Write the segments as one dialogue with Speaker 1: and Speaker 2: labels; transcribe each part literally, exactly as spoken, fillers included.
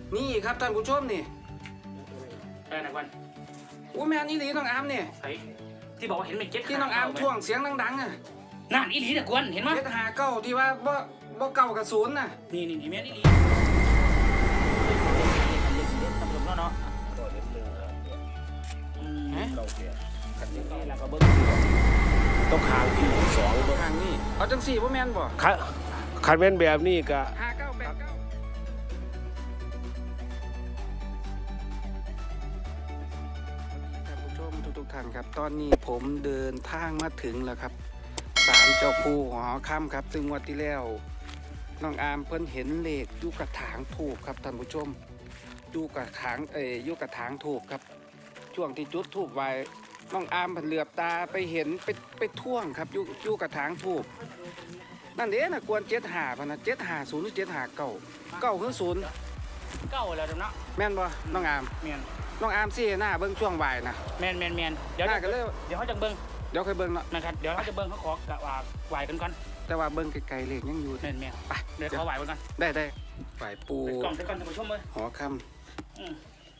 Speaker 1: นี่ครับท่านผู้ชมนี่
Speaker 2: เออนะกวน
Speaker 1: อู้แม่นอีหลีน้องอามนี่
Speaker 2: ไอ้ที่บอกว่าเห็นเป็นเจ็ด
Speaker 1: ที่น้องอามท่วงเสียงดังๆอ่ะ
Speaker 2: นั่นอีหลีนะกวนเห็นมั้ย
Speaker 1: เจ็ดหาเก้าที่ว่าบ่บ่เก้ากับศูนย์น่ะ
Speaker 2: นี่นี่นี่แม่นอีหลีตำรวจเนาะเนาะอืมเราเสียกันนี่แล้วก็เบิ้ง
Speaker 3: ต้องคางที่สอง
Speaker 1: ทางนี้เอาจังสี่บ่แม่นบ่
Speaker 3: คันคันเป็นแบบนี้ก็
Speaker 1: ห้าเก้าแปดเก้าท่านผู้ชมทุกๆท่านครับตอนนี้ผมเดินทางมาถึงแล้วครับศาลเจ้าปู่หอค่ำครับซึ่งวันที่แล้วน้องอามเพิ่นเห็นเลขอยู่กระถางถูกครับท่านผู้ชมอยู่กระถางเอ่ยอยู่กระถางถูกครับช่วงที่จุดถูกไว้น้องอามเพิ่นเหลือบตาไปเห็นไปไปท่วงครับอยู่อยู่กระถางถูกนั่นเด้น่ะกวนเจ็ดหาพะนะเจ็ดหาศูนย์หรือเจ็ดหาเก้าเก้าคือศูนย์
Speaker 2: เก้าแล้วเนาะ
Speaker 1: แม่นบ่น้องอาม
Speaker 2: แม่น
Speaker 1: น้องอามสิหน้าเบิ่งช่วงบ่ายนะ
Speaker 2: แม่นแม่นแม่นเดี๋ยว
Speaker 1: ก็เลย
Speaker 2: เดี๋ยวเขาจะเบิ่ง
Speaker 1: เดี๋ยวค่อยเบิ่งเนาะ
Speaker 2: นะครับเดี๋ยวเขาจะเบิ่งเขาขอกะว่าไหวกันก่อน
Speaker 1: แต่ว่าเบิ่งไกลๆเลขยังอยู่
Speaker 2: แม่นแม่น
Speaker 1: ไป
Speaker 2: เดี๋ยวเขาไหวกันก่อน
Speaker 1: ได้ได้ไหวปู
Speaker 2: กล่องไปก่อนท่านผู้ชมเลย
Speaker 1: หอค่
Speaker 2: ำอืม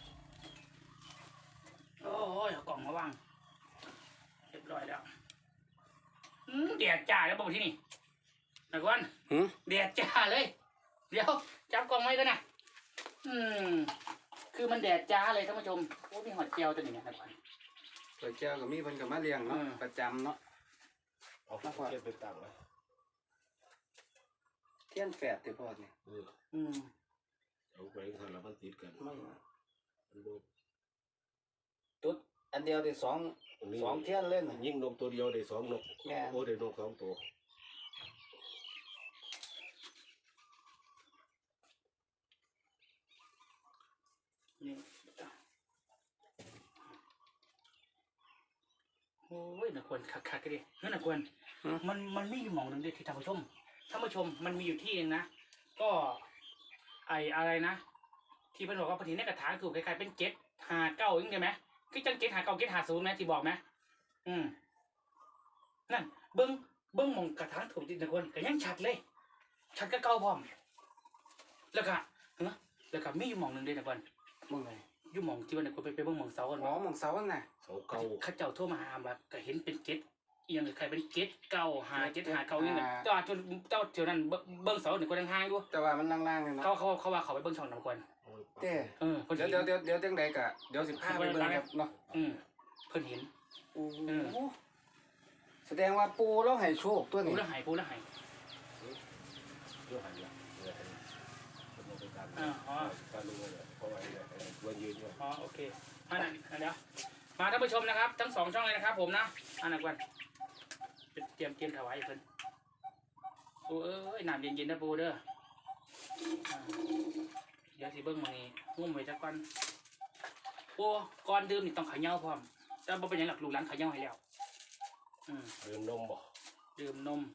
Speaker 2: โอ้ยเอากล่องมาวางเรียบร้อยแล้วอืมแดดจ้าแล้วบอกที่นี่นะกวนแดดจ้าเลยเดี๋ยวจับกล่องไว้กันนะอืมคือมันแดดจ้าเลยท่านผู้ชมโอ้มีหอดเจียวตัวนี้นะกวน
Speaker 1: สวยเจ้ากับมีเพิ่นกับมาเลี้ยงเนาะประจำเนาะ
Speaker 3: เอาข้าวเทียนไปตั้งไว้
Speaker 1: เทียนแฝดที่พ่อนี่
Speaker 2: อืม
Speaker 3: เอาไปทำแล้วมันติดกัน
Speaker 1: ไม่ตุ๊ดอันเดียวได้สองสองเทียนเล่น
Speaker 3: ยิ่งนกตัวเดียวได้สองนกโอ้ได้นกสองตัว
Speaker 2: นี่โอ้ยนักวนคักๆกันดินั่นนักวนมันมันไม่อยู่หมองหนึ่งดิที่ท่านผู้ชมท่านผู้ชมมันมีอยู่ที่นึงนะก็ไออะไรนะที่เพิ่นบอกว่าปฏิทินในกระถางถูกคล้ายๆเป็นเจ็ดหาเก้าอย่างเงี้ยไหมคือจังเจ็ดหาเก้าเจ็ดหาศูนย์ไหมที่บอกไหมอืมนั่นเบิ้งเบิ้งมองกระถางถูกจริงนักวนก็ยังชัดเลยชัดก็เก้าพร้อมแล้วก็เฮ้แล้วก็มีอยู่หมองหนึ่งดินักวน
Speaker 1: มองไหน
Speaker 2: อยู่หมองที่วันนักวนไปไปเบิ้งมองเสากัน
Speaker 1: อ๋อมองเสาน่ะ
Speaker 3: เสาเก้า
Speaker 2: ข้าเจ้าโทรมาหาแบบก็เห็นเป็นเจ็ดเอียงใครเป็นเจ็ดเก้าหาเจ็ดหาเก้าอย่างเงี้ยแต่ว่าจนเจ้าเที่ยวนั้นเบิ้งเสาหนึ่งคนห่างๆด้วย
Speaker 1: แต่ว่ามันล่างๆเลยเนาะ
Speaker 2: เขาเขาเขาว่าเขาไปเบิ้งช่องน้ำกวน
Speaker 1: เต้
Speaker 2: เออ
Speaker 1: เดี๋ยวเดี๋ยวเดี๋ยวเดี๋ยวจังใดกะเดี๋ยวสิบห้าไปเบิ้งครับเนาะ
Speaker 2: อืมเพิ่นเห็น
Speaker 1: โอ้แสดงว่าปูแล้วให้โชคตัวนี้
Speaker 2: ปูแล้วหายปูแล้วหาย
Speaker 3: เรื่องหายละ
Speaker 2: อ๋ออ๋อ
Speaker 3: การดูเลยเพราะว่าวันยืนด้วย
Speaker 2: อ๋อโอเคอันนั้นเดี๋ยวมาท่านผู้ชมนะครับทั้งสองช่องเลยนะครับผมนะอันนั้นกวนเตรียมเตรียมถวายเพิ่นปูเอ้ยน้ำเย็นๆนะปูเด้อเดี๋ยวสิเบิ้งมานี่งุ่มไว้จักก่อนปูก่อนดื่มนี่ต้องขย่าพร้อมแต่บ่เป็นหยังหลักลูกหลานขย่าให้แล้วอืม
Speaker 3: ดื่มนมบ่
Speaker 2: ดื่มนม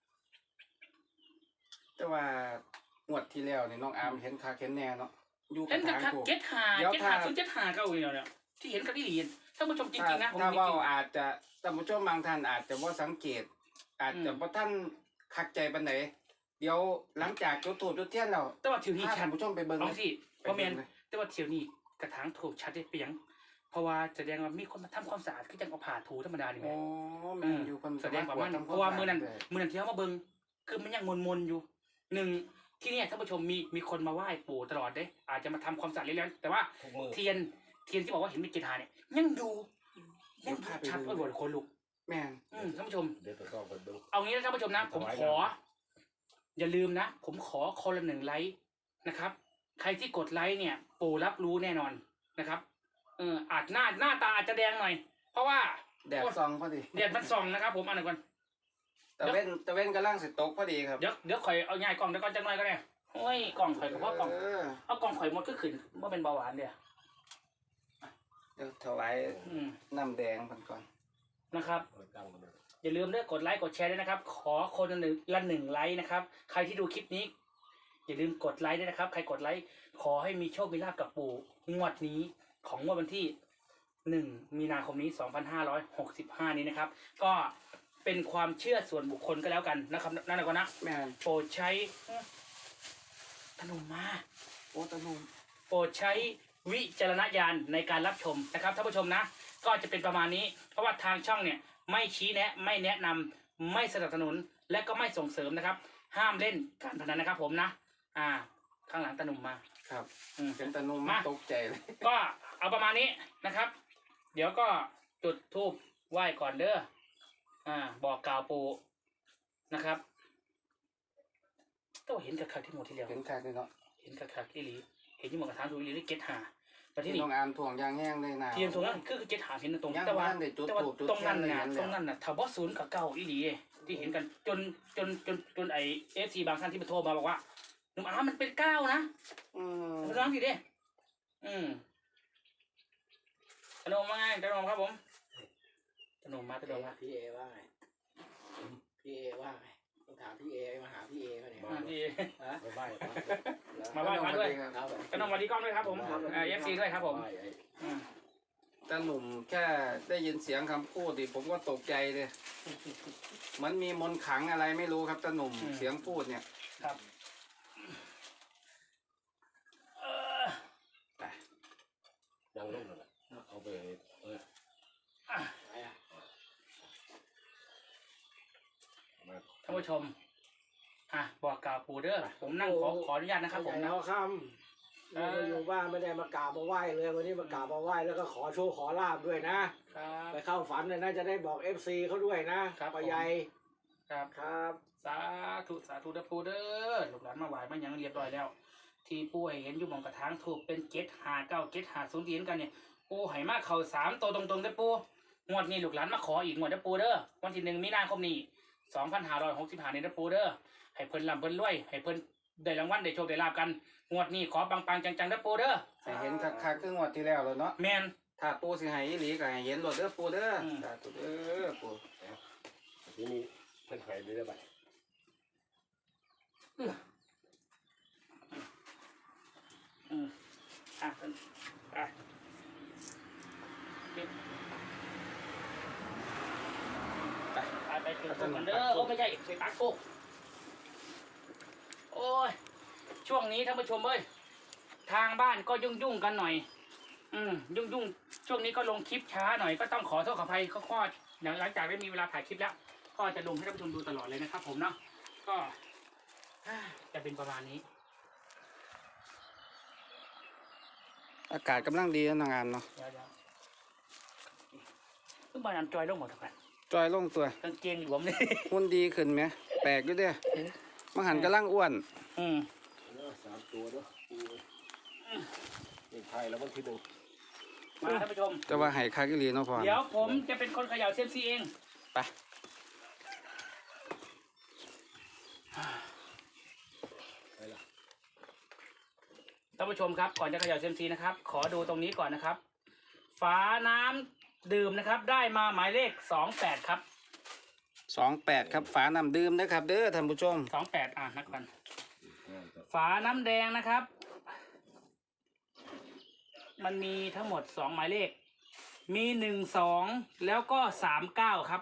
Speaker 1: แต่ว่างวดที่แล้วนี่น้องอามเห็นคาเห็นแน่เนาะ
Speaker 2: อยู่กระถางถูกเจ็ดหาเจ็ดหาศูนย์เจ็ดหาเก้าเนี่ยเนี่ยที่เห็นกับที่เห็นท่านผู้ชมจริงๆนะผม
Speaker 1: ถ้าว่าอาจจะท่านผู้ชมบางท่านอาจจะว่าสังเกตอาจจะว่าท่านคักใจปานไหนเดี๋ยวหลังจากจุดถูกจุดเทียนแล้ว
Speaker 2: แต่ว่าเที่ยวนี้
Speaker 1: ท่านผู้ชมไปเบิ่ง
Speaker 2: บางทีเพราะแมนแต่ว่าเที่ยวนี้กระถางถูกชัดได้เปียงเพราะว่าแสดงว่ามีคนมาทำความสะอาดคือจังเอาผ่าถูธรรมดานี่แหละ
Speaker 1: อ๋อแม่นอยู่คน
Speaker 2: แสดงว่ามันเพราะว่ามือนั้นมือนั้นที่เขามาเบิ่งคือมันยังมนๆอยู่หนึ่งที่นี่ท่านผู้ชมมีมีคนมาไหว้ปู่ตลอดเด้อาจจะมาทำความสะอาดเรื่อยๆแต่ว่าเทียนเทียนที่บอกว่าเห็นมีกีฬาเนี่ยยังอยู่ยังชัดกว่าบนคนลุก
Speaker 1: แม่
Speaker 2: ท่านผู้ชม
Speaker 3: เดี๋ยวต้องไปดู
Speaker 2: เอางี้นะท่านผู้ชมนะผมขออย่าลืมนะผมขอคนละหนึ่งไลค์นะครับใครที่กดไลค์เนี่ยปู่รับรู้แน่นอนนะครับเอออาจหน้าหน้าตาอาจจะแดงหน่อยเพราะว่า
Speaker 1: แดดส่องพอดี
Speaker 2: แดดมันส่องนะครับผมอันนั้นก่อน
Speaker 1: ตะเว้นตะเว้นกำลังสิตกพอดีครับ
Speaker 2: เดี๋ยวเดี๋ยวข่อยเอาง่ายกล่องเดี๋ยวก่อนจังหน่อยก็ได้โอ้ยกล่องข่อยกับพ่อกล่องเอากล่องข่อยหมดก็ขึ้นเมื่อเป็นเบาหวานเดียว
Speaker 1: เดี๋ยวถวายน้ำแดงพันก่อน
Speaker 2: นะครับอย่าลืมด้วยกดไลค์กดแชร์ด้วยนะครับขอคนละหนึ่งละหนึ่งไลค์นะครับใครที่ดูคลิปนี้อย่าลืมกดไลค์ด้วยนะครับใครกดไลค์ขอให้มีโชคมีลาภกับปู่งวดนี้ของงวดวันที่หนึ่งมีนาคมนี้สองพันห้าร้อยหกสิบห้านี้นะครับก็เป็นความเชื่อส่วนบุคคลก็แล้วกันนะครับนั่นแหละก็นะ
Speaker 1: แม่
Speaker 2: โปรดใช้ตะนุมมา
Speaker 1: โอ้ตะนุม
Speaker 2: โปรดใช้วิจารณญาณในการรับชมนะครับท่านผู้ชมนะก็จะเป็นประมาณนี้เพราะว่าทางช่องเนี่ยไม่ชี้แนะไม่แนะนำไม่สนับสนุนและก็ไม่ส่งเสริมนะครับ ห้ามเล่นการพนันนะครับผมนะอ่าข้างหลังตาหนุ่มมา
Speaker 1: ครับ
Speaker 2: อืม
Speaker 1: เป็นตะนุ่ม
Speaker 2: มา
Speaker 1: ตกใจเลย
Speaker 2: ก็เอาประมาณนี้นะครับ เดี๋ยวก็จุดธูปไหว้ก่อนเด้ออ่าบอกกล่าวปู่นะครับต้องเห็นกับคักที่หมดที่แล้ว
Speaker 1: เห็นคักเลยเนาะ
Speaker 2: เห็นกับคักอีหลีเห็นยี่หมอกระทานถูกอีหลีนี่เก็ตหาแต่ที่
Speaker 1: ที่
Speaker 2: นี่
Speaker 1: น้องอามถ่วงยางแห้งเลยนะ
Speaker 2: เทียมตรงนั้นคือเก็ตหาเห็นตรง
Speaker 1: ย่าง
Speaker 2: แต่ว่า
Speaker 1: บ้านได้จุด
Speaker 2: แต่ว่า
Speaker 1: ธูปจุด
Speaker 2: ตรงนั้น
Speaker 1: เทีย
Speaker 2: น่ะ
Speaker 1: นเลย
Speaker 2: ตรงนั้นน่ะถ้าบอสศูนย์กับเก้าอีหลีที่เห็นกันจนจนจนจนไอเอฟซีบางท่านที่มาโทรมาบอกว่าหนุ่มอามันเป็นเก้านะ
Speaker 1: อืม
Speaker 2: มาลองดิดิอืมขนมมาไงขนมครับผมขนมมาขนมมา
Speaker 4: พี่เอว่าไงพี่เอว่าไงต้องถามพี่เอมาหาพี่เอเขาเนี่ย
Speaker 2: มาพี่
Speaker 4: ฮะ
Speaker 3: ไปไหว้พระ
Speaker 2: มาไหว้พระด้วย
Speaker 1: ครับ
Speaker 4: ครับ
Speaker 2: ขนมมาดีกล้องด้วยครับผมเอฟซีด้วยครับผม
Speaker 3: ไหว้ไอ้
Speaker 2: อืม
Speaker 1: ตาหนุ่มแค่ได้ยินเสียงคำพูดดิผมก็ตกใจเลยเหมันมีมนต์ขลังอะไรไม่รู้ครับตาหนุ่มเสียงพูดเนี่ย
Speaker 2: ครับเออ
Speaker 3: นั่งลงนั่นแหละเอาไปเออ
Speaker 2: อ่ะ
Speaker 4: ไหนอ่ะ
Speaker 3: มา
Speaker 2: ท่านผู้ชมอ่ะบอกกล่าวปู่เด้อผมนั่งขอขออนุญาตนะครับผม
Speaker 4: ใหญ่
Speaker 2: นะ
Speaker 4: เอาคำไม่ได้อยู่บ้านไม่ได้มากราบมาไหว้เลยวันนี้มากราบมาไหว้แล้วก็ขอโชคขอลาบด้วยนะครับ ไปเข้าฝันเลยนะจะได้บอกเอฟซีเขาด้วยนะครับ ปะใหญ่
Speaker 2: ครับ
Speaker 4: ครับ
Speaker 2: สาธุสาธุเด้อปู่เด้อลูกหลานมาไหว้มาหยังเรียบร้อยแล้ว ที่ปู่ให้เห็นอยู่หมองกระถางถูกเป็นเจ็ดหาเก้าเจ็ดหาศูนย์ที่เห็นกันเนี่ยปู่ให้มาเข่าสามตัวตรงๆเด้อปู่งวดนี้ลูกหลานมาขออีกงวดเด้อปู่เด้อวันที่หนึ่งมีนาคมนี้สองพันห้าร้อยหกสิบห้าเนี่ยเด้อปู่เด้อให้เพิ่นร่ำเพิ่นรวยให้เพิ่นได้รางวัลได้โชคได้ลาบกันงวดนี้ขอปังๆจังๆเด้อปู่เด้อ
Speaker 1: ให้เห็นคักๆคืองวดที่แล้วเลยเนาะ
Speaker 2: แมน
Speaker 1: ถ้าปูสิให้อีหลีก็ให้เห็นรถเด้อปูเด้ออ
Speaker 2: ม
Speaker 1: สาธุเด้อปู
Speaker 3: ทีนี้เพิ่นหายไปได้บัด
Speaker 2: อืมอ่ะเพิ่นอ่ะไปไปไปถึงตรงกันเด้อโอ้ไม่ใช่ไปปักโกโอ้ยช่วงนี้ท่านผู้ชมเอ้ยทางบ้านก็ยุ่งยุ่งๆกันหน่อย อืมยุ่งยุ่งๆช่วงนี้ก็ลงคลิปช้าหน่อยก็ต้องขอโทษขออภัยข้อข้อหลังจากได้มีเวลาถ่ายคลิปแล้ว ก็จะลงให้ท่านผู้ชมดูตลอดเลยนะครับ ผมเนาะก็จะเป็นประมาณนี้
Speaker 1: อากาศกำลังดีนะน้องอามเนาะ
Speaker 2: เดี๋ยวเดี๋ยวขึ้นมานำจอยลงหมดทุกคน
Speaker 1: จอยลงตัว
Speaker 2: กางเกงหลวมเลย
Speaker 1: หุ่นดีขึ้นไหมแปลกอยู่เด้อมังหันกำลังอ้วน
Speaker 2: อืม
Speaker 3: เนาะสามตัวเนาะปูนี่ไทยแล้ววันที่หนึ่ง
Speaker 2: มาท่านผู้ชม
Speaker 1: จะว่าให้คักอีหลีเนาะพ่อ
Speaker 2: เดี๋ยวผมจะเป็นคนเขย่าเซยมซีเอง
Speaker 1: ไป
Speaker 3: ไปละ
Speaker 2: ท่านผู้ชมครับก่อนจะเขย่าเซยมซีนะครับ ขอดูตรงนี้ก่อนนะครับ ฝาน้ำดื่มนะครับ ได้มาหมายเลขสองแปดครับ
Speaker 1: สองแปดครับฝาน้ำดื่มนะครับ เด้อท่านผู้ชม
Speaker 2: สองแปดอ่ะนักกัน
Speaker 3: ง่ายจัง
Speaker 2: ฝาน้ำแดงนะครับ มันมีทั้งหมดสองหมายเลข มีหนึ่งสองแล้วก็สามเก้าครับ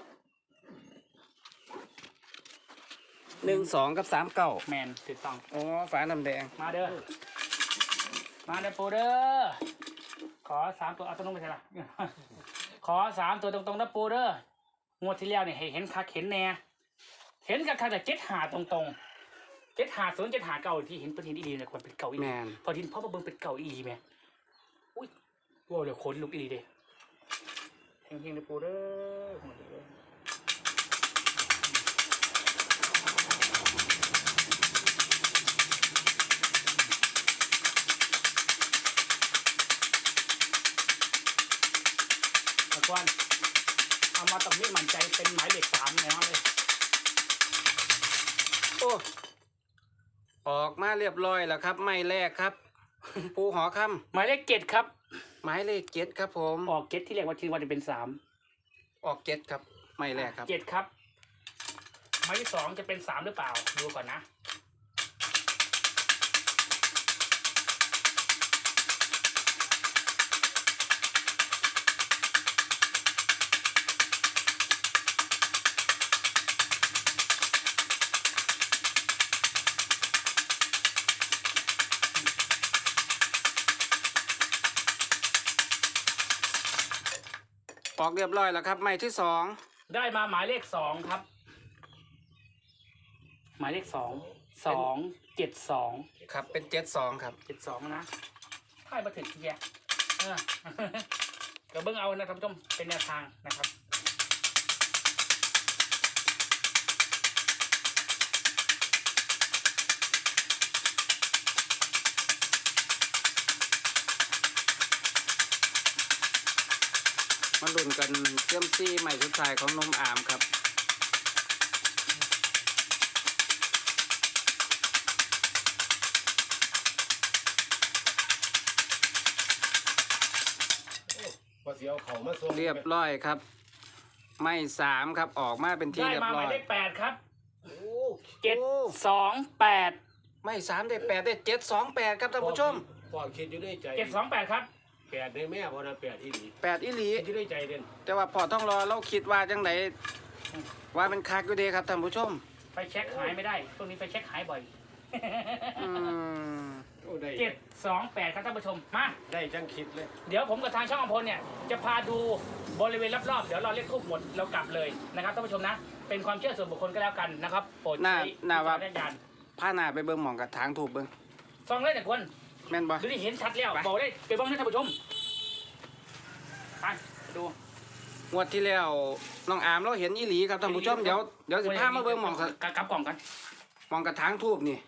Speaker 1: หนึ่งสองกับสามเก้า
Speaker 2: แมนถูกต้อง
Speaker 1: อ๋อฝาน้ำแดง
Speaker 2: มาเด้อ มาเด้อปูเด้อ ขอสามตัวเอาตัวนู้นไปใช่ละ ขอสามตัวตรงๆนะปูเด้องวดที่แล้วเนี่ยให้เห็นคักเห็นแน่ เห็นกับคักแต่เจ็ดหาตรงๆเจ็ดหาศูนย์เจ็ดหาเก่าที่เห็นเป็นเห็นอีหลีเนี่ยควรเป็นเก่าอีห
Speaker 1: แม
Speaker 2: ลี
Speaker 1: น
Speaker 2: พอทินพ่อมาเบิ่งเป็นเก่าอีหลีแม่อุ้ยว้าวเดี๋ยวขนลุกอีหลีเด้เฮงๆนะปูเด้อหมดเลยตะกวนเอามาตรงนี้มั่นใจเป็นหมายเลขสามแน่นอนเลย
Speaker 1: โอ้ออกมาเรียบร้อยแล้วครับไม่แรกครับ ปูหอค
Speaker 2: หมายเลขเจ็ดครับ
Speaker 1: ำหมายเลขเจ็ดครับผม
Speaker 2: ออกเจ็ดที่เรียกว่าทีวันจะเป็นสาม
Speaker 1: ออกเจ็ดครับไม่แรกครับ
Speaker 2: เจ็ดครับหมายที่สองจะเป็นสามหรือเปล่า ดูก่อนนะ
Speaker 1: ออกเรียบร้อยแล้วครับไม้ที่สอง
Speaker 2: ได้มาหมายเลขสองครับ หมายเลขสองสองเจ็ดสอง
Speaker 1: ครับเป็นเจ็ดสองครับ
Speaker 2: เจ็ดสองนะค่ายมาถึงทีเดียวเออ เดี๋ยวเบิ้งเอานะท่านผู้ชมเป็นแนวทางนะครับ
Speaker 1: มาลุ้นกันเชื่อมซี่ใหม่สุดท้ายของนมอามครับ
Speaker 3: พอเสียวเขามาส่ง
Speaker 1: เรียบร้อยครับไม้สามครับออกมาเป็นที่
Speaker 2: ได้
Speaker 1: เรีย
Speaker 2: มา
Speaker 1: บ
Speaker 2: ห
Speaker 1: ร้
Speaker 2: มา
Speaker 1: อย ย
Speaker 2: เลขแปดครับ
Speaker 3: โอ้
Speaker 2: เจ็ดสองแปด
Speaker 1: ไม้สามได้แปดได้เจ็ดสองแปดครับท่านผู้ชม
Speaker 3: พ่อคิดอยู่ในใจ
Speaker 2: เจ็ดสองแปดครับ
Speaker 3: แปดได้แม่พอนะแปดที่ดี
Speaker 1: แปดอีหลี
Speaker 3: คิดอยู่ในใจเด่น
Speaker 1: แต่ว่าพอต้องรอเราคิดว่าจังไหนว่าเป็นคักอยู่เดีครับท่านผู้ชม
Speaker 2: ไฟแช็คหายไม่ได้ช่วงนี้ไฟแช็คหายบ่อย
Speaker 1: อืม
Speaker 3: โอ้ได้
Speaker 2: เจ็ดสองแปดครับท่านผู้ชมมา
Speaker 3: ได้จังคิดเลย
Speaker 2: เดี๋ยวผมกับทางช่องอำพลเนี่ยจะพาดูบริเวณรอบๆเดี๋ยวเราเรียกทูบหมดเรากลับเลยนะครับท่านผู้ชมนะ เป็นความเชื่อส่วนบุคคลก็แล้วกันนะครับโปรด
Speaker 1: น่า
Speaker 2: ใช้
Speaker 1: น่าว่า
Speaker 2: วิจารณญาณ
Speaker 1: ผ้าหนาไปเบิ่งหมองกับทางถูกเบิ่ง
Speaker 2: ซองเลยแต่ควร
Speaker 1: แม่นบ่
Speaker 2: ดูที่เห็นชัดแล้วบอกได้ไปเบ้างนะท่านผู้ชมไปดู
Speaker 1: งวดที่แล้วน้องอามเราเห็นอีหลีครับท่านผู้ชมเดี๋ยวเดี๋ยวสิพามาเบิ่งหมองกับ
Speaker 2: กลับกล่องกัน
Speaker 1: หมองกับทางทูบนี่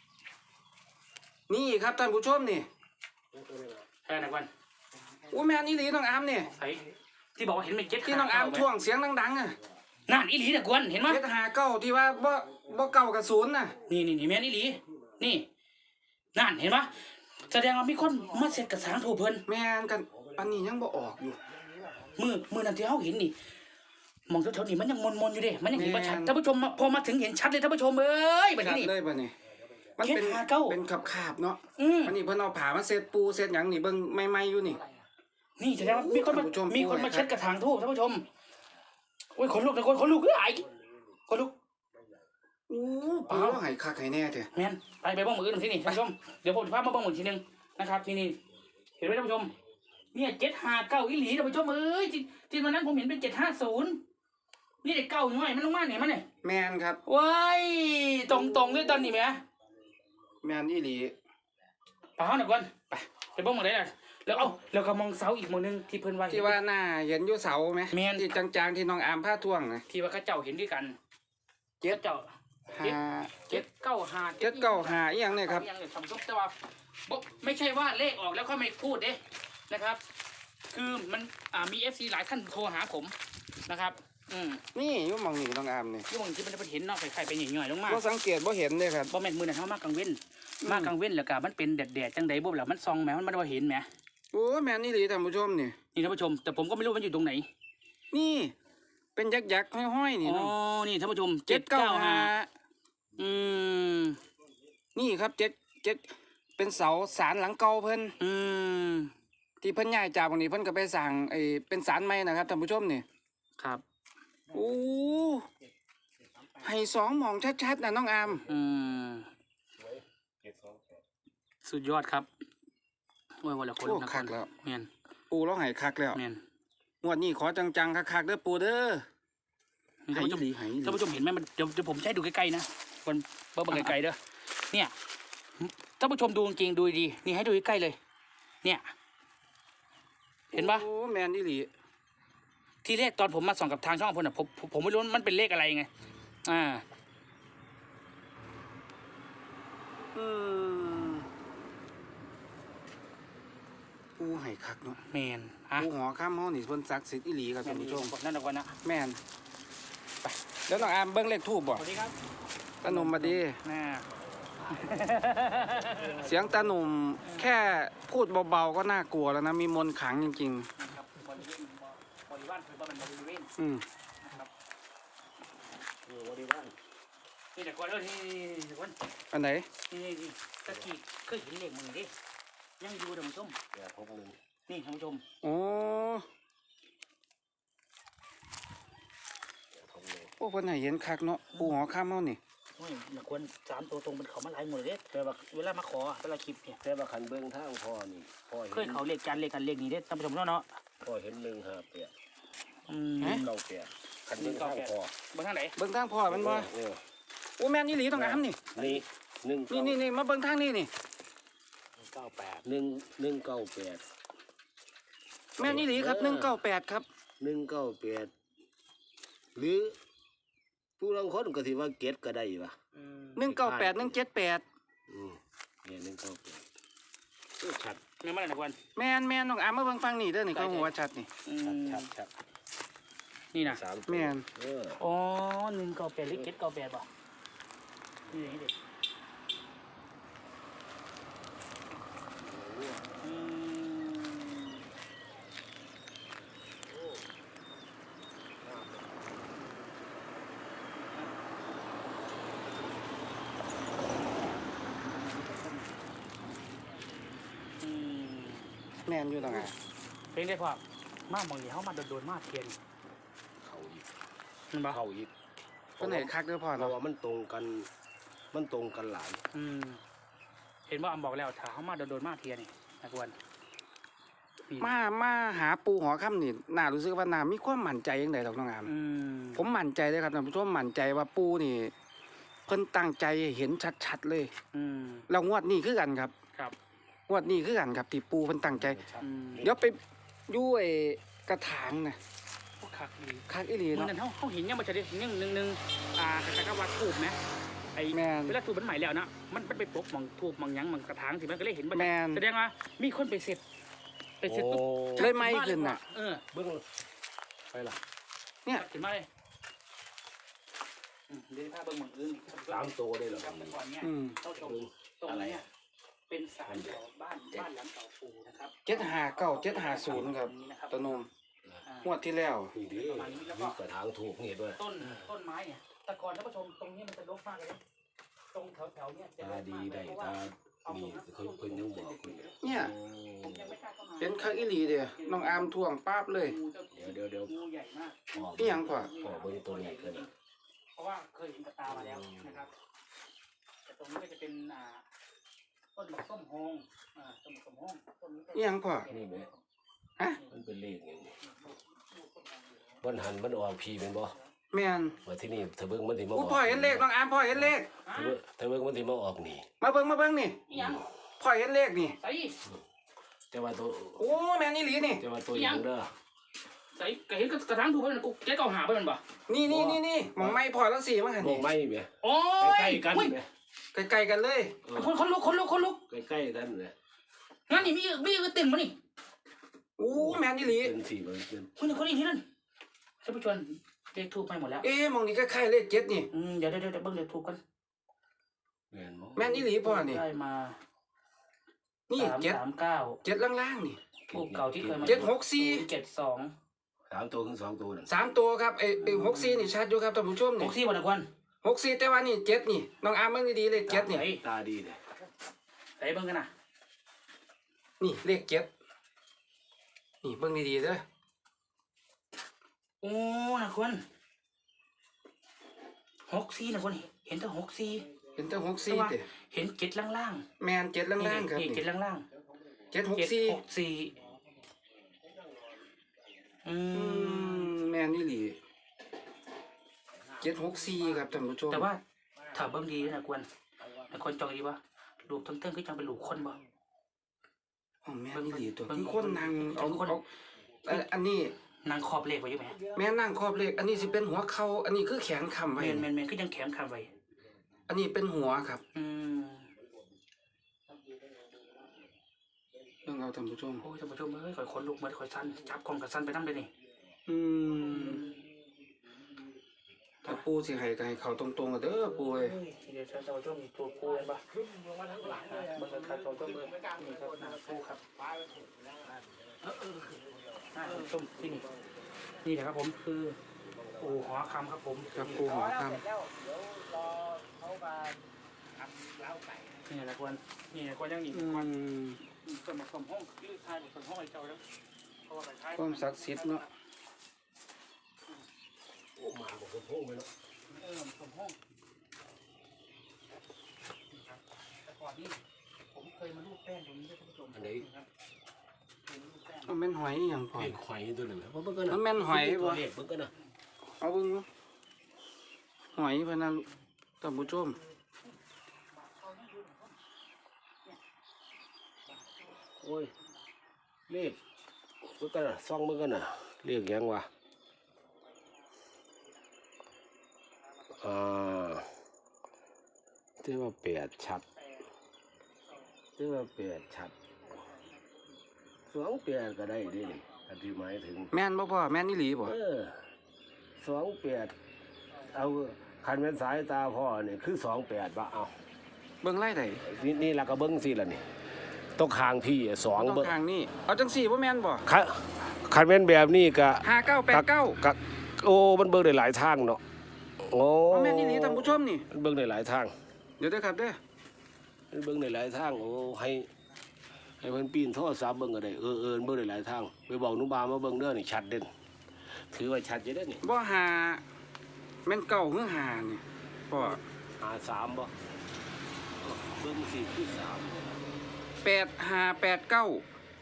Speaker 1: นี่ครับท่านผู้ชมนี่
Speaker 2: แค่ไหนวัน
Speaker 1: อู้แม่นอีหลีน้องอามนี่
Speaker 2: ไอ้ที่บอกว่าเห็นเป็นเจ็ด
Speaker 1: ที่น้องอามท่วงเสียงดังๆอ่ะ
Speaker 2: นั่นอีหลีแต่ควรเห็นไหม
Speaker 1: เจ็ดหาเก้าที่ว่าบ่บ่เก้ากับศูนย์น่ะ
Speaker 2: นี่นี่นี่แม่นอีหลีนี่นั่นเห็นไหมแสดงว่ามีคนมาเสร็จกับสางถูกเพิ่น
Speaker 1: แม่นกันอันนี้ยังบ่ออกอยู่
Speaker 2: มือมือนั่นที่เขาเห็นนี่มองแถวๆนี่มันยังมนๆอยู่เด้มันยังเห็นว่าชัด
Speaker 1: แม่น
Speaker 2: ท่านผู้ชมมาพอมาถึงเห็นชัดเลยท่านผู้ชมเอ้ยแบบ
Speaker 1: ชัด
Speaker 2: นี้นี่
Speaker 1: เลยป่ะนี่มันเป็น
Speaker 2: เจ็ดหาเก้า
Speaker 1: เป็นขับขาบๆเนาะ
Speaker 2: อืม
Speaker 1: อันนี้เพิ่นเอาผ้ามาเซ็ตปูเซ็ตหยังนี่เบิ่งใหม่ๆอยู่นี่
Speaker 2: นี่แสดงว่ามีคนมา
Speaker 1: ท่านผู้ชม
Speaker 2: มีคนมาเช็ดกระถางทูบท่านผู้ชมโอ้ยขนลุกนะคนขนลุกเอ้ยขนลุก
Speaker 1: อู้ปูเราให้คักให้แน่แท้
Speaker 2: แม่นไปไปบ้องมืออื่นที่นี่ท่านผู้ชมเดี๋ยวผมจะพามาบ้องมือทีนึงนะครับนี่นี่เห็นไหมท่านผู้ชมเนี่ยเจ็ดห้าเก้าอีหลีท่านผู้ชมเอ้ยที่ที่วันนั้นผมเห็นเป็นเจ็ดห้าศูนย์นี่เด็กเก้าน้อยมันลงมาเนี่ยมันเนี่ย
Speaker 1: แม่นครับ
Speaker 2: ว้ายตรงตรงๆด้วยตอนนี้ไหม
Speaker 1: แม่นอีหลี
Speaker 2: ไปห้องหน่อยก่อนไปไปบ้องมือไหนล่ะแล้วเอาแล้วก็มองเสาอีกมือนึงที่เพิ่นว่า
Speaker 1: ที่ว่าหน้าเห็นอยู่เสาไหม
Speaker 2: แม่น
Speaker 1: ที่จางๆที่น้องอามผ้าท่วงนะ
Speaker 2: ที่ว่าเขาเจ้าเห็นด้วยกัน
Speaker 1: เจ็ด
Speaker 2: เจ้า
Speaker 1: ห้า
Speaker 2: เจ็ดเก้าห้า
Speaker 1: เจ็ดเก้าห้าอีหยังเนี่ยครับ
Speaker 2: อย่างเนี่ยทำซุปแต่ว่าบ่ไม่ใช่ว่าเลขออกแล้วค่อยไม่พูดเด้นะครับ คือมันอ่ามีเอฟซีหลายท่านโทรหาผมนะครับ อืม
Speaker 1: นี่อยู่หมองนี่น้องอามนี่
Speaker 2: ที่บางทีมันจะไปเห็นเนาะไข่ๆไปหน่อยๆลงมา
Speaker 1: บ่สังเกตบ่เห็นเลยครับ
Speaker 2: บ่แม่นมือนั่นเฮามากลางเว้น
Speaker 1: อืม
Speaker 2: มากลางเว้นแล้วก็มันเป็นแดดๆจังใดบ่ล่ะมันซองแหมมันบ่ได้ว่าเห็นแหม
Speaker 1: โอ้แม่นอีหลีท่านผู้ชมนี่
Speaker 2: นี่ท่านผู้ชม แต่ผมก็ไม่รู้มันอยู่ตรงไหน
Speaker 1: นี่ เป็นยักษ์ๆห้อยๆนี่
Speaker 2: อ๋อ
Speaker 1: เนาะ
Speaker 2: นี่ท่านผู้ชม
Speaker 1: เจ็ดเก้าห้า
Speaker 2: อืม
Speaker 1: นี่ครับเจ็ดเจ็ดเป็นเสาศาลหลังเก่าเพิ่น
Speaker 2: อืม
Speaker 1: ที่เพิ่นย้ายจากตรงนี้เพิ่นก็ไปสร้างไอ้เป็นศาลใหม่นะครับท่านผู้ชมนี่
Speaker 2: ครับ
Speaker 1: โอ้ให้สองหมองชัดๆนะน้องอาม
Speaker 2: อืม
Speaker 3: เจ็ดสองแปด
Speaker 2: สุดยอดครับโอ้ยวันละคน
Speaker 1: โอ้
Speaker 2: ละค
Speaker 1: คั
Speaker 2: น
Speaker 1: กแล้ว
Speaker 2: แม่น
Speaker 1: ปูเราให้คักแล้ว
Speaker 2: แม่น
Speaker 1: งวดนี้ขอจังๆคักๆเด้อปูเด้อ
Speaker 2: ท่านผู้ชม
Speaker 1: ให้อีหลีให้อีหลี
Speaker 2: ท่านผู้ชมเห็นไหมมันเดี๋ยวเดี๋ยวผมใช้ดูใกล้ๆนะคนเบิ่งไกลๆเด้อเนี่ยท่านผู้ชมดูจริงๆดูดีๆนี่ให้ดูใกล้ๆเลย เนี่ย เห็นปะ
Speaker 1: โอ้แม่นอีหลี
Speaker 2: ที่แรกตอนผมมาส่องกับทางช่องพลน่ะผมผมผมไม่รู้มันเป็นเลขอะไรไงอ่า
Speaker 1: อืมปูให้คักเนาะ
Speaker 2: แมนฮะ
Speaker 1: ปูหอข้ามเฮานี่เพิ่นศักดิ์สิทธิ์อีหลีครับ
Speaker 2: แม
Speaker 1: ท่าน นผู้ชม
Speaker 2: นั่นเอาก่อนนะ
Speaker 1: แม่นไปเดี๋ยวน้องอามเบิ่งเลขทูบบ่
Speaker 2: สวัสดีครับ
Speaker 1: ตาหนุ่มมาดี
Speaker 2: น่า
Speaker 1: เสียงตาหนุ่มแค่พูดเบาๆก็น่ากลัวแล้วนะมีมนต์ขลังจริง
Speaker 2: ครับบริเวณบริเวณคือว่ามันบริเวณ
Speaker 1: ๆอืม
Speaker 2: นะครับ
Speaker 3: อยู่บริวาร
Speaker 2: นี่แต่ก่อนเออนี่นี่นี่คน
Speaker 1: อันไหน
Speaker 2: นี่นี่นี่ตะกี้เคยเห็นเลขมึงดิยังอยู่ท่านผู้ชม
Speaker 3: แปดหกหนึ่ง
Speaker 2: นี่ท่านผู้ชม
Speaker 1: โอ้
Speaker 3: แปดหกหนึ่ง
Speaker 1: โอ้เพิ่นให้เห็นคักเนาะปูหอข้ามเฮานี่
Speaker 2: โอ้ยอย่าควรสามตัวตรงเป็นเขามาหลายหมดเลยเด้แต่ว่าเวลามาขอเวลาคลิปเนี่ย
Speaker 3: แต่ว่าคันเบื้องทางพ่อนี่พ่อ
Speaker 2: เค
Speaker 3: เห็
Speaker 2: ย
Speaker 3: น
Speaker 2: เขาเลขจานเลขกันเลขนี้เด้ท่านผู้ชมเนาะเนาะ
Speaker 3: พ่อเห็นหนึ่งห้าแปด
Speaker 2: อืม
Speaker 1: ฮะ
Speaker 3: เก้าแปดคันเบิ้งข้างคอบ
Speaker 2: นทางไหน
Speaker 1: เบิ่งทางพ่อมันบ่
Speaker 3: เออ
Speaker 1: โอ้แม่นอีหลีต้องอามนี่
Speaker 3: นี่หนึ่ง
Speaker 1: นี่นี่นี่มาเบิ่งทางนี้นี่
Speaker 4: เก้าแปด
Speaker 3: หนึ่งหนึ่งเก้าแปด
Speaker 1: แม่นอีหลีครับหนึ่งเก้าแปดครับ
Speaker 3: หนึ่งเก้าแปดหรือผู้ลางคนก็สิว่าเก็ดก็ได้ปะ
Speaker 2: อืม
Speaker 1: หนึ่งเก้าแปดหนึ่งเจ็ดแปด
Speaker 3: อืมเนี่ยหนึ่งเก้าแปดชัด
Speaker 2: แม่นมาแล้วนะกวน
Speaker 1: แม่นแม่นน้องอามมาเบิ่งฟังนี่เด้อนี่เขาหัวชัดนี่
Speaker 2: อื
Speaker 3: ชัด
Speaker 2: ม
Speaker 3: ชัดชัด
Speaker 2: นี่นะ
Speaker 3: สาม
Speaker 1: แม่น
Speaker 3: เออ
Speaker 2: อ๋อหนึ่งเก้าแปดหรือเจ็ดเก้าแปดป่ะนี่อย่างนี้เด็กอืมอืม
Speaker 1: แม่นอยู่ต้องอาม
Speaker 2: เพลงได้พอมากมองนี่เขามาโดนๆมากเทียน
Speaker 3: เขาอีก
Speaker 2: เห็นปะ
Speaker 3: เขาอีก
Speaker 1: เพิ่นให้คักเด้อพ่อ
Speaker 3: เพราะ
Speaker 1: เนาะ
Speaker 3: ว่ามันตรงกัน มันตรงกันหลาย
Speaker 2: อืมเห็นว่าอำบอกแล้วถ้าเขามาโดนๆมากเทียนนี่นะกวนนี่
Speaker 1: มามาหาปูหอค่ำนี่น่ารู้สึกว่าน่ามีความมั่นใจจังไดดอกน้องอาม
Speaker 2: อืม
Speaker 1: ผมมั่นใจเลยครับท่านผู้ชมมั่นใจว่าปูนี่ เพิ่นตั้งใจให้เห็นชัดๆเลย
Speaker 2: อืม
Speaker 1: แล้วงวดนี้คือกันครับ
Speaker 2: ครับ
Speaker 1: งวดนี้คือกันครับที่ปูเพิ่นตั้งใจ
Speaker 2: อืม
Speaker 1: เดี๋ยวไปอยู่ไอ้กระถางน่ะ
Speaker 2: พวกคักดี
Speaker 1: คักอีหลี
Speaker 2: เหมือน
Speaker 1: เนาะ
Speaker 2: กันเขาเขาเห็นยังมันจะได้ยังหนึ่งหนึ่งอ่าคล้ายๆกับว่าทูบไหมไอ้
Speaker 1: แม่น
Speaker 2: เวลาทูบมันใหม่แล้วนะมันมันไปปกมองทูบมองหยังมองกระถางสิมันก็เลยเห็นบ่
Speaker 1: แม่น
Speaker 2: แสดงว่ามีคนไปเสร็จไปเสร็จปุ๊บ
Speaker 3: โอ้
Speaker 1: เลยไหม้ขึ้นน่ะ
Speaker 2: เออ
Speaker 3: เบิ้งไปล่ะ
Speaker 1: เนี่ย
Speaker 2: เห็นมาเลยอืมเดี๋ยวพาเบิ่งหมองอื่น
Speaker 3: สามตัวได้เหรอ
Speaker 2: ครับแต่ก่อนเนี่ย
Speaker 1: อืม
Speaker 2: เข้าชมตรงนี้เนี่ยเป็นศาลเก่าบ้านบ้านหลังเก่าปูนะครับ
Speaker 1: เจ็ดห้าเก้าเจ็ดห้าศูนย์ครับ
Speaker 2: ตงนี้นะครับ
Speaker 1: ตะนม
Speaker 2: อ่าง
Speaker 1: วดที่แล้ว
Speaker 3: นี่ดิมีกระถางถูกนี่ด้วย
Speaker 2: ต้นต้นไม้เนี่ยแต่ก่อนท่านผู้ชมตรงนี้มันจะรกมากเลยนะตรงแถวๆเนี่ยจะร
Speaker 3: ตาก ดี
Speaker 2: มากเล
Speaker 3: ได้
Speaker 2: ยเพราะว่า
Speaker 3: ตานี่เคยเพิ่นยังบอกคุณ
Speaker 1: เนี่ย
Speaker 2: ผมยังไม่กล้าเข้ามา
Speaker 1: เป็นคักอีหลีเด้อน้องอามท่วงป๊าบเลย
Speaker 2: งูเจ้า
Speaker 3: เดี๋ยวเดี๋ยวเดี๋ยว
Speaker 2: งูใหญ่มาก
Speaker 3: พ่อ
Speaker 1: นี่หยังพ่อ
Speaker 3: พ่อเบิ้งตัวนี้กัน
Speaker 2: เพราะว่าเคยเห็นกับตามาแล้วนะครับ แต่ตรงนี้ก็จะเป็นอ่าต้นหมกส้มโฮงอ่าต้นหมกส้มโฮงต้นนี้ก็
Speaker 1: นี่หยังพ่อ
Speaker 3: นี่ไหม
Speaker 1: ฮะ
Speaker 3: มันเป็นเลขอย่างนี้มันหันมันออกพีเป็นบ่
Speaker 1: แม่น
Speaker 3: ว่าที่นี่ถ้าเบิ้งมันสิมาอ
Speaker 1: อู้
Speaker 3: อก
Speaker 1: พ่อเห็นเลขน้องอามพ่อเห็นเลข
Speaker 2: อ่า
Speaker 3: ถ้าเบิ้งถ้าเบิ้งมันสิมาออกนี่
Speaker 1: มาเบิ่งมาเบิ่งนี่
Speaker 2: นี่ยัง
Speaker 1: พ่อเห็นเลขนี่
Speaker 2: ใส่
Speaker 3: แต่ว่าตัว
Speaker 1: โอ้แม่นอีหลีนี่
Speaker 3: แต่ว่าตัวอย่างเด้อ
Speaker 2: ใส่ก็เห็นกระถางถูกไปมันกูแกเก่าหาไปมันบ่
Speaker 1: นี่นี่นี่นี่หมองไม้พ่อแล้วสี่มั้งหัน
Speaker 3: มอ
Speaker 1: นี่
Speaker 3: งไม่แม่
Speaker 2: โอ้ย
Speaker 3: ใกล้ๆกัน
Speaker 2: อุ้ย
Speaker 3: แม่
Speaker 1: ไกลๆกันเลย
Speaker 3: เออ
Speaker 2: คนคนลุกคนลุกคนลุก
Speaker 3: ใกล้ๆกันแม่
Speaker 2: งั้นนี่มีมีก็เต็มมานี่
Speaker 1: อู้แม่นอีหลี
Speaker 3: เป็นสี่มันเป็น
Speaker 2: คนนี้คนนี้ที่นั่นท่านผู้ชมเลขทูบไปหมดแล้ว
Speaker 1: เอ๊ะหมองนี้ก็คล้ายๆเลขเจ็ดนี่
Speaker 2: อืมเดี๋ยวเดี๋ยวเดี๋ยวเบิ่งเลขทูบกัน
Speaker 3: แม่นบ่
Speaker 1: แม่นอีหลีพ่อนี่
Speaker 2: ได้มา
Speaker 1: นี่
Speaker 2: สาม
Speaker 1: เจ็ด
Speaker 2: สามเก้า
Speaker 1: เจ็ดล่างๆนี่
Speaker 2: ทูบเก่าที่เคยมา
Speaker 1: เจ็ดหกสี่
Speaker 2: เจ็ดสอง
Speaker 3: สามตัวถึงสองตัวนั่น
Speaker 1: สามตัวครับไอ้ไอ้หกสี่นี่ชัดอยู่ครับท่านผู้ชม
Speaker 2: ห
Speaker 1: นี่
Speaker 2: กสี่วันละควัน
Speaker 1: หกสี่แต่ว่านี่เจ็ดนี่น้องอามเบิ่งดีๆเลขเจ็ดนี่
Speaker 2: ไหน
Speaker 3: ตาดีเลย
Speaker 2: ไหนเบิ่งกันนะ
Speaker 1: นี่เลขเจ็ดนี่เบิ่งดีๆเด้อ
Speaker 2: โอ้นะคนหกสี่นะคนเห็นแต่หกสี่
Speaker 1: เห็นแต่หกสี่เด้
Speaker 2: เห็นเจ็ดล่าง
Speaker 1: แมนเจ็ด
Speaker 2: ๆ
Speaker 1: ล่างๆครับ
Speaker 2: นี่
Speaker 1: นี่
Speaker 2: เจ็ดล่าง
Speaker 1: เจ็ดห
Speaker 2: ๆ
Speaker 1: ก
Speaker 2: เจ็ด
Speaker 1: สี่
Speaker 2: หกสี่อื
Speaker 1: อื
Speaker 2: ม
Speaker 1: มแมนนี่หลีเจ็ดหกสี่ครับท่านผู้ชม
Speaker 2: แต่ว่าถ้าเบิ่งดีนะกวนนะคนจองดีปะลูกทั้งเติ้งคือจังเป็นลูกคนบ่
Speaker 1: อ๋อแม่นนี่หลีตัว
Speaker 2: เบิ่ง
Speaker 1: คือคนนั่งเอา
Speaker 2: คน
Speaker 1: เอาอันอันนี้
Speaker 2: นางขอบเลขไว้อยู่ไหม
Speaker 1: แม่นั่งครอบเลขอันนี้สิเป็นหัวเข่าอันนี้คือแขนค้ำ
Speaker 2: แม
Speaker 1: ไว้
Speaker 2: นแมนแมนคือยังแข็งคำไว้
Speaker 1: อันนี้เป็นหัวครับ
Speaker 2: อืม
Speaker 1: เรื่องเราท่านผู้ชม
Speaker 2: โอ้ยท่านผู้ชมเอ้ยข่อยคนลุกเหมือนข่อยสั้นจับกล่องกับสั้นไปนั่งเลยนี่
Speaker 1: อืมถ้าปูสิให้ก็ให้เขาตรงๆกันเด้อปูเอ้ย
Speaker 2: เดี๋ยวท่านผู้ชมมีตัวปูเห็นปะเบิ่งกันครับท่านผู้ชมเบิ่งนี่ครับหน้าปูครับเออเออหน้าท่านผู้ชมที่นี่นี่แหละครับผมคือปูหอคำครับผม
Speaker 1: ครับปูหอค
Speaker 2: นี่แหละควรนี่แหละควรยังนี่
Speaker 1: ำอื
Speaker 2: ควร
Speaker 1: ม
Speaker 2: สมสมห้องยืดทายสมห้องไอ้เจ้าแล้วเพราะว่าไปท้าย
Speaker 1: ความศักดิ์สิทธิ์เนาะ
Speaker 3: โอ้มาบอกว่าโทษไปแล้ว
Speaker 2: เออสมห้องแต่ก่อนนี่ผมเคยมาลูบแป้งตรงนี้ด้วยท่านผู้ชม
Speaker 3: อันไหน
Speaker 2: ครับเคยมาลูบแป้ง
Speaker 1: มันแม่นหอยอหย่างพอ
Speaker 3: เลขหอยตัวนึงนะเพราะเบิ่งกันนะ
Speaker 1: มันแม่นหอยบ่
Speaker 3: เลขเบิ่งกันนะ
Speaker 1: เอาเบิ่งดูหอยพะนันท่านผู้ชม
Speaker 3: โอ้ยเลขเบิ่งกันนะซ่องเบิ่งกันนะเลขหยังวะอ่าเรียกว่าแปดชัดเรียกว่าแปดชัดสองแปดก็ได้เดิอันที่หมายถึง
Speaker 1: แม่นบ่พ่อแม่นอีหลีบ่
Speaker 3: เออสองแปดเอาคันเป็นสายตาพ่อเนี่ยคือสองแปดบะเอา
Speaker 1: เบิ่งไล่ได้
Speaker 3: นี่นี่เราก็เบิ้งสิละนี่ต้องคางพี่อะสอง
Speaker 1: ต้อง
Speaker 3: เบิ้ง
Speaker 1: ทางนี้เอาจังสี่บ่แม่นบ่
Speaker 3: คันคันเป็นแบบนี้ก็
Speaker 1: ห้าเก้าแปดเก้า
Speaker 3: กะโอ้มันเบิ้งได้หลายทางเนาะโอ้
Speaker 1: เอาแม่นอีหลีท่านผู้ชมนี่
Speaker 3: มันเบิ้งได้หลายทาง
Speaker 1: เดี๋ยวเด้อครับเด้อ
Speaker 3: มันเบิ้งได้หลายทางโอ้ให้ให้เพิ่นปีนโทรศัพท์เบิ้งก็ได้เออเออเบิ้งได้หลายทางไปบอกหนุบามาเบิ้งเด้อนี่ชัดเด่นถือว่าชัดอยู่เด้อนี่
Speaker 1: บ่หาแม่นเก้าหรือหานี่พ่อ
Speaker 3: หาสามบ่เบิ้งสี่คือสาม
Speaker 1: แปดห้าแปดเก้า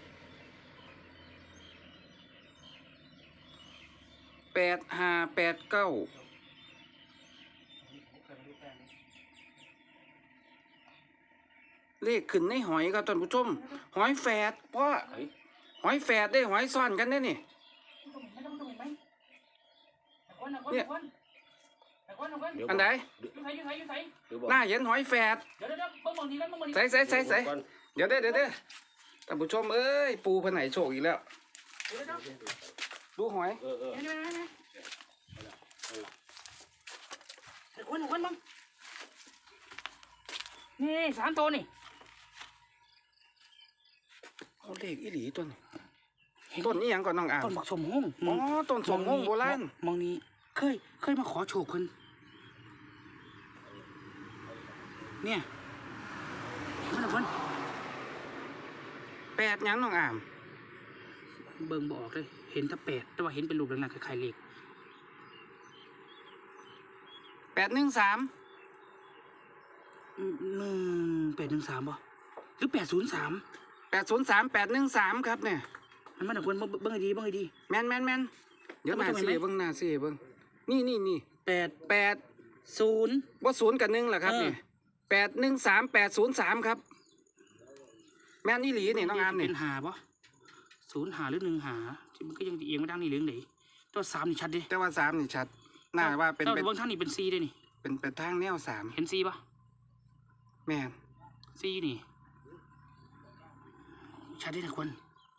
Speaker 1: แปดห้าแปดเก้าเลขขึ้นในหอยครับท่านผู้ชมหอยแฝดพ่อ
Speaker 3: เฮ้ย
Speaker 1: หอยแฝดได้หอยซ่อนกันได้นี่ เนี่ย
Speaker 3: เดี๋ยว
Speaker 1: อันไหน
Speaker 3: เดี๋ยวบอก
Speaker 1: หน้าเห็นหอยแฝด
Speaker 2: เดี๋ยวเดี๋ยวเบิ่งมองนี้แล้วเบิ่งมองนี้
Speaker 1: ใส่ใส่ใส่ใส่
Speaker 3: เดี๋ยวก่อน
Speaker 1: เดี๋ยวเด้อเดี๋ยวเด้อท่านผู้ชมเอ้ยปูผนไหนโชคอีกแล้ว
Speaker 2: เดี๋ยวเดี๋ยว
Speaker 1: ดูหอย
Speaker 3: เออเออ
Speaker 2: เดี๋ยวเดี๋ยวเดี๋ยวเดี๋ยวคนคนบ้างนี่สามตัวนี่
Speaker 1: เอาเลขอีหลีต้นต้นนี้ยังก่อนน้องอ่าง
Speaker 2: ต้นบักสมห้อง
Speaker 1: อ๋อต้นสมงโบราณ
Speaker 2: มองนี้เคยเคยมาขอโชคคนเนี่ยเห็นมันคน
Speaker 1: แปดหยังน้องอ่าง
Speaker 2: เบิ่งบออกเลยเห็นถ้าแปดแต่ว่าเห็นเป็นรูปลักษณะคล้ายๆเลข
Speaker 1: แปดหนึ่งสาม
Speaker 2: อืมหนึ่งแปดหนึ่งสามป่ะหรือแปดศูนย์สาม
Speaker 1: แปดศูนย์สามแปดหนึ่งสามครับเนี่ย
Speaker 2: มันมันคนเบิ่งให้ดีเบิ่งให้ดี
Speaker 1: แมนแมนแมนเดี๋ยวหน้า
Speaker 2: เอามา
Speaker 1: สี่
Speaker 2: ทำไมไหม
Speaker 1: เบิ้งหน้าสี่เบิ้งนี่นี่นี่
Speaker 2: แปด
Speaker 1: แปด
Speaker 2: ศูนย์
Speaker 1: ว่าศูนย์กับหนึ่งเหรอครับ
Speaker 2: เออ
Speaker 1: นี่แปดหนึ่งสามแปดศูนย์สามครับ แม่นอีหลีนี่น้องอามนี่
Speaker 2: เป็นหาป่ะศูนย์หาหรือหนึ่งหาที่มันก็ยังเอียงไม่ดังนี่เหลืองไหนตัวสามนี่ชัดดิ
Speaker 1: แต่ว่าสามนี่ชัดหน้าว่าเป็น
Speaker 2: ถ้า
Speaker 1: เป็น
Speaker 2: เบิ่งท่านนี่เป็นซีได้นี่
Speaker 1: เป็นเป็นทางแนวสาม
Speaker 2: เห็นซีป่ะ
Speaker 1: แม่น
Speaker 2: ซีนี่ชัดดินะคน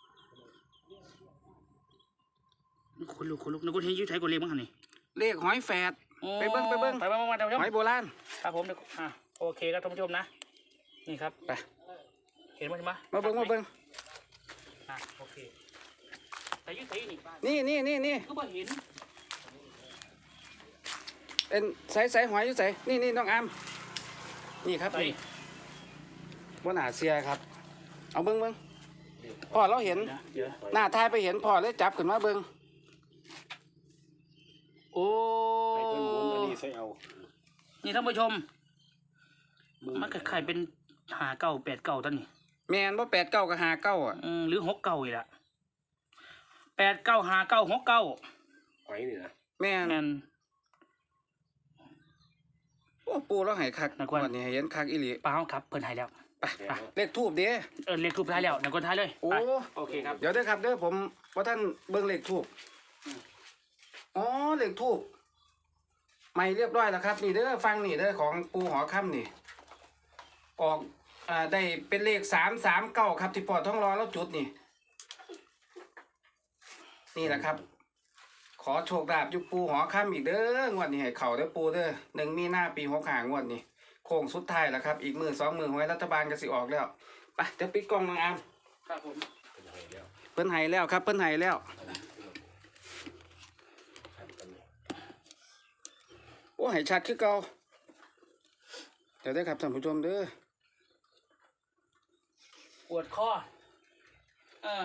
Speaker 2: คนลุกคนลุกนักคนเห็นอยืดใช้กว่าเลขมั้งหันนี่
Speaker 1: เลขหอยแฝด ไปเบิ่งไปเบิ่ง
Speaker 2: ไปเบิ่งมาท่านผู้ชม
Speaker 1: หอยโบราณ
Speaker 2: ครับผมเดี๋ยวอ่ะโอเคครับท่านผู้ชมนะนี่ครับ
Speaker 1: ไป
Speaker 2: เห็นไหมเห็นไหม
Speaker 1: มาเบิ้งมาเบิ้ง
Speaker 2: อ่ะโอเคแต่ยืดใช้นี่
Speaker 1: นี่นี่นี่นี่
Speaker 2: ก็บ่เห็น
Speaker 1: เป็นใส่ใส่หอยอยู่ใส่นี่นี่น้องอามนี่ครับ
Speaker 2: ไป
Speaker 1: นี่บนหาเสียครับ เอาเบิ้งเบิ้งพ่อเราเห็น
Speaker 2: เดี๋ยว
Speaker 1: หน้าทายไปเห็นพ่อเลยจับขึ้นมาเบิ้งโอ้
Speaker 3: ให้เพิ่นหมุนอันนี้ใส่เอา
Speaker 2: นี่ท่านผู้ชม มันคล้ายๆเป็นหาเก่าแปดเก่าตั้งนี่
Speaker 1: แมนว่าแปดเก้ากับหาเก้าอ่ะ
Speaker 2: อืมหรือหกเก่าอีกละแปดเก้าหาเก้าหกเก้า
Speaker 3: หอยนี่นะ
Speaker 1: แม่น
Speaker 2: นั่น
Speaker 1: โอ้ปูเราใหายคัก
Speaker 2: นักวัน
Speaker 1: วันนี้ให้เห็นคักอีหลี
Speaker 2: เปล่าครับเพิ่นใหายแล้ว
Speaker 1: ไปเลขทูบเด้
Speaker 2: เออเลขทูบท้ายแล้วนักคนท้ายเลย
Speaker 1: โอ้
Speaker 2: ไปโอเคครับ
Speaker 1: เดี๋ยวเด้อครับเด้อผมว่าท่านเบิ้งเลขทูบอ๋อเลขทูบไม่เรียบร้อยแล้วครับ นี่เด้อฟังนี่เด้อของปูหอค่ำนี่ ออกอ่าได้เป็นเลขสามสามเก้าครับที่ปอดท้องรอแล้วจุดนี่ นี่แหละครับ ขอโชคลาภอยุปูหอค่ำอีกเด้องวดนี้ให้เข่าเด้อปูเด้อหนึ่งมีหน้าปีหกหางวดนี่โค้งสุดท้ายแล้วครับ อีกมือสองมือหวยรัฐบาลก็สิออกแล้วไปเดี๋ยวปิดกล้องนางอาม
Speaker 2: ครับผม
Speaker 1: เพิ่นให้แล้วครับเพิ่นให้แล้วโอ้ให้ชัดคือเก่าเดี๋ยวได้อครับท่านผู้ชมเด้อ
Speaker 2: ปวดคอเออ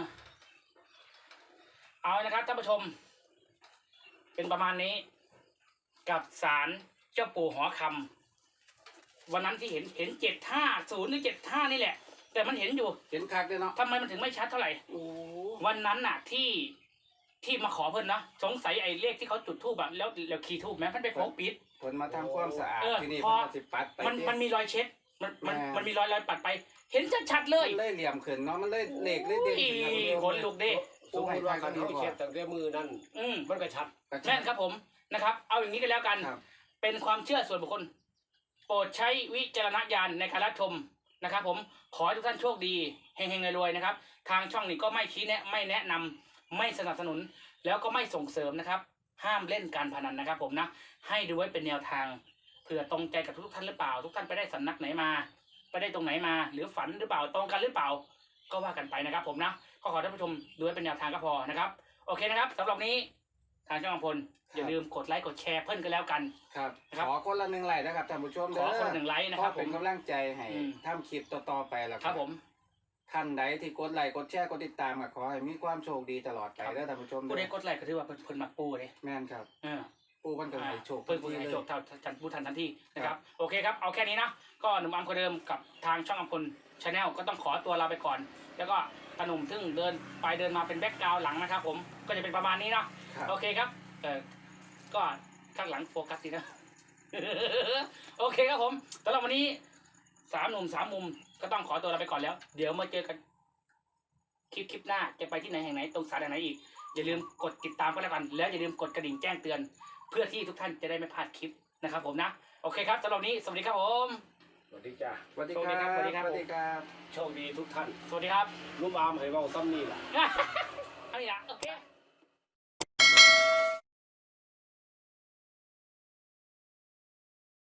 Speaker 2: เอานะครับท่านผู้ชม เป็นประมาณนี้ กับศาลเจ้าปู่หอคำวันนั้นที่เห็นเห็นเจ็ดห้าศูนย์หรือเจ็ดห้านี่แหละ แต่มันเห็นอยู่
Speaker 1: เห็นคักเด้อเนาะ
Speaker 2: ทำไมมันถึงไม่ชัดเท่าไหร่
Speaker 1: โอ้
Speaker 2: วันนั้นน่ะที่ที่มาขอเพิ่นเนาะสงสัยไอ้เลขที่เขาจุดธูปอะแล้วแล้วขีดธูปแม้มันไปโปกปิด
Speaker 1: ผลมาทำความสะอาด
Speaker 2: เออ
Speaker 1: ที่นี่
Speaker 2: พอ
Speaker 1: มันก็สิปัดไป
Speaker 2: มัน
Speaker 1: เด้
Speaker 2: มันมีรอยเช็ดมันมัน
Speaker 1: แม่
Speaker 2: มันมีรอยรอยปัดไป เห็นชัดๆเลย
Speaker 1: มันเลยเหลี่ยมขึ้นเนาะมันเลยเหล็กเลยเด่น
Speaker 2: อี
Speaker 1: ขึ้น
Speaker 2: ขนลุกเด้
Speaker 3: สมมติว่าคันเขาเขียนตั้งแต่มือนั่น
Speaker 2: อืม
Speaker 3: มันก็ชัด
Speaker 2: แม่นครับผมนะครับ เอาอย่างนี้กันแล้วกัน
Speaker 1: ครับ
Speaker 2: เป็นความเชื่อส่วนบุคคล โปรดใช้วิจารณญาณในการรับชมนะครับ ผมขอให้ทุกท่านโชคดีเฮงๆรวยๆนะครับ ทางช่องนี้ก็ไม่ชี้แนะไม่แนะนำไม่สนับสนุน แล้วก็ไม่ส่งเสริมนะครับ ห้ามเล่นการพนันนะครับ ผมนะให้ดูไว้เป็นแนวทางเผื่อตรงใจกับทุกท่านหรือเปล่า ทุกท่านไปได้สำนักไหนมาไปได้ตรงไหนมา หรือฝันหรือเปล่าตรงกันหรือเปล่า ก็ว่ากันไปนะครับ ผมนะก็ขอท่านผู้ชมดูไว้เป็นแนวทางก็พอนะครับ โอเคนะครับสำหรับนี้ทางช่องอำพลอย่าลืมกดไลค์กดแชร์เพิ่มกันแล้วกัน
Speaker 1: ครับ
Speaker 2: นะครับ
Speaker 1: ขอคนละหนึ่งไลค์นะครับท่านผู้ชม
Speaker 2: ข
Speaker 1: เด้
Speaker 2: อ
Speaker 1: อ
Speaker 2: คนละหนึ่งไลค์นะ
Speaker 1: เพ
Speaker 2: ครับ
Speaker 1: ราะ
Speaker 2: ผ
Speaker 1: เป็น
Speaker 2: ม
Speaker 1: กำลังใจให้
Speaker 2: อืม
Speaker 1: ทำคลิปต่อๆไปแล้ว
Speaker 2: ครับผม
Speaker 1: ท่านใดที่กดไลค์กดแชร์กดติดตามก็ขอให้มีความโชคดีตลอดไปเด้อท่านผู้ชม
Speaker 2: ผู้
Speaker 1: เด้
Speaker 2: ได้
Speaker 1: อก
Speaker 2: ดไลค์ก็ถือว่าเพิ่นเพิ่นมักปูเลย
Speaker 1: แม่นครับ
Speaker 2: เออ
Speaker 1: ปู่มันก็ให้โชค
Speaker 2: เพิ่นผู้ให้โชคเท่าทันผู้ทันทันทีนะครับ โอเคครับ เอาแค่นี้นะ ก็หนุ่มอัมคนเดิมกับทางช่องอัมพลชาแนลก็ต้องขอตัวลาไปก่อน แล้วก็ขนมทึ่งเดินไปเดินมาเป็นแบ็กกราวด์หลังนะครับ ผม ก็จะเป็นประมาณนี้เนาะ
Speaker 1: ครับ
Speaker 2: โอเคครับ เออก็ข้างหลังโฟกัสดีนะ โอเคครับผมสำหรับวันนี้สามหนุ่มสามมุมก็ต้องขอตัวลาไปก่อนแล้ว เดี๋ยวมาเจอกันคลิปคลิปหน้าจะไปที่ไหนแห่งไหนตรงสถานไหนอีก อย่าลืมกดติดตามก็แล้วกัน แล้วอย่าลืมกดกระดิ่งแจ้งเตือน เพื่อที่ทุกท่านจะได้ไม่พลาดคลิปนะครับผมนะ โอเคครับสำหรับวันนี้สวัสดีครับผม
Speaker 3: สวัสดีจ้า
Speaker 1: สวัสดี
Speaker 2: สวัส
Speaker 1: ค
Speaker 2: ดี
Speaker 1: รับ
Speaker 2: ครับสวัสดีครับ
Speaker 1: สวัสดีครับ
Speaker 3: โชคดีทุกท่าน
Speaker 2: สวัสดีครับ
Speaker 3: ลูกอามให้เว้าซ้ำนี่ล่ะ
Speaker 2: เอาอีกละโอเค